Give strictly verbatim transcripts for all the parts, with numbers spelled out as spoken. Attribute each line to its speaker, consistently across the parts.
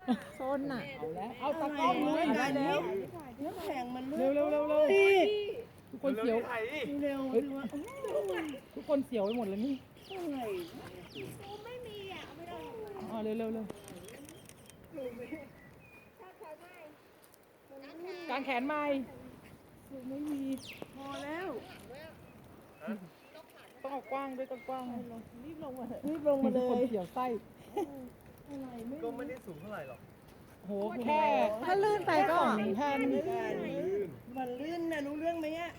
Speaker 1: โซนน่ะ
Speaker 2: เอาแล้วเอาตะกล้องเลยได้แล้ว
Speaker 3: น้ำแข็งมัน
Speaker 2: เร็วเร็วเร็วเร็วทุกคนเสียว
Speaker 3: เร็ว
Speaker 2: เฮ้ยทุกคนเสียวไปหมดเลยนี่
Speaker 3: อะไร
Speaker 2: อ๋อเร็วเร็วเร็วกางแขนไม่ไม่มี
Speaker 3: พอแล้ว
Speaker 2: ต้องเอากว้างด้วยต้องกว้าง
Speaker 3: รีบลงมารีบลงมา
Speaker 2: ทุ
Speaker 3: เล
Speaker 2: กคน
Speaker 3: ย
Speaker 2: เสียวไส้
Speaker 4: ก็ไม่ได้สูงเท่าไหร่หรอก
Speaker 2: โหแค่
Speaker 1: ถ้าลื่นไปก็
Speaker 2: สองแผ่น
Speaker 3: มันลื่นนะรู้เรื่องไหมอ่ะ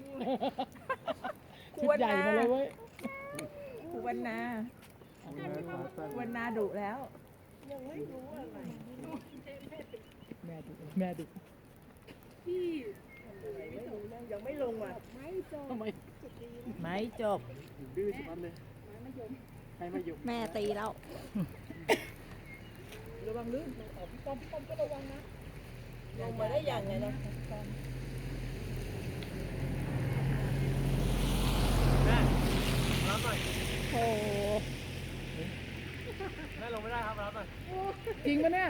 Speaker 2: ชุดใหญ่มาเลยเว้ย
Speaker 1: ครูวันนาวันนาดุแล้ว
Speaker 3: ยังไม่รู้อะไร
Speaker 2: แม่ดุแม่ดุ
Speaker 3: ยังไม่ลงอ่ะ
Speaker 2: ทำไม
Speaker 1: ไม่จบ
Speaker 4: ดื้อสุดเลยใครมาหยุด
Speaker 1: แม่ตีแล้ว
Speaker 2: ระวังลื่นออกพี่ป้อมพี่ป้อมก็ระวังนะ
Speaker 3: ลงมาได้ยังไงนะ
Speaker 4: แม่รับหน่อย
Speaker 1: โอ้
Speaker 4: แม่ลงไม่ได้ครับรับหน่อย
Speaker 2: จริงปะเนี่ย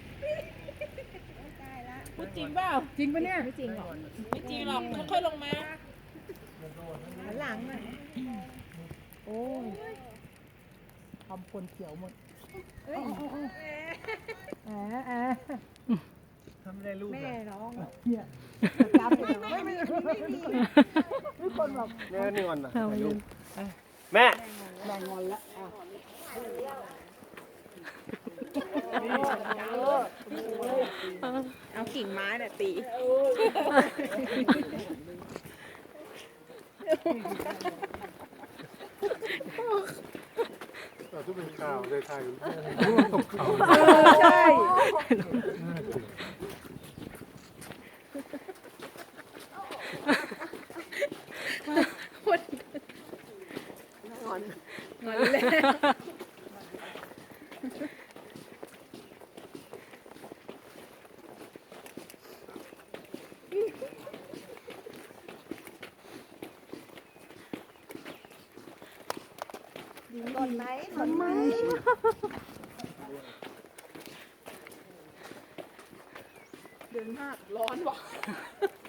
Speaker 1: พูดจริงเปล่า
Speaker 2: จริงปะเนี่ย
Speaker 1: ไม่จริงหรอก
Speaker 3: ไม่จริงหรอกค่อยๆลงมา
Speaker 1: หันหลังน่ะ
Speaker 2: โอ้ยทำคนเขียวหมดแอะแอะ
Speaker 4: ทำไม่ได้ลูก
Speaker 1: แม่ร้อง
Speaker 2: เนี่ยจับเลยไม่ไม่ไม่มีทุกคนแบบ
Speaker 4: แม่นี่วันน่ะถ่ายรูปแม่
Speaker 2: แรงงอนแล้วอ่ะ
Speaker 1: เอากิ่งไม้น่ะตี
Speaker 4: เราทุกเป็นข่าวเลยถ่ายรูปตกเขา
Speaker 1: ใช่
Speaker 3: ก่อนไหมก่อนไหม
Speaker 1: เดินมากร้อนว่ะ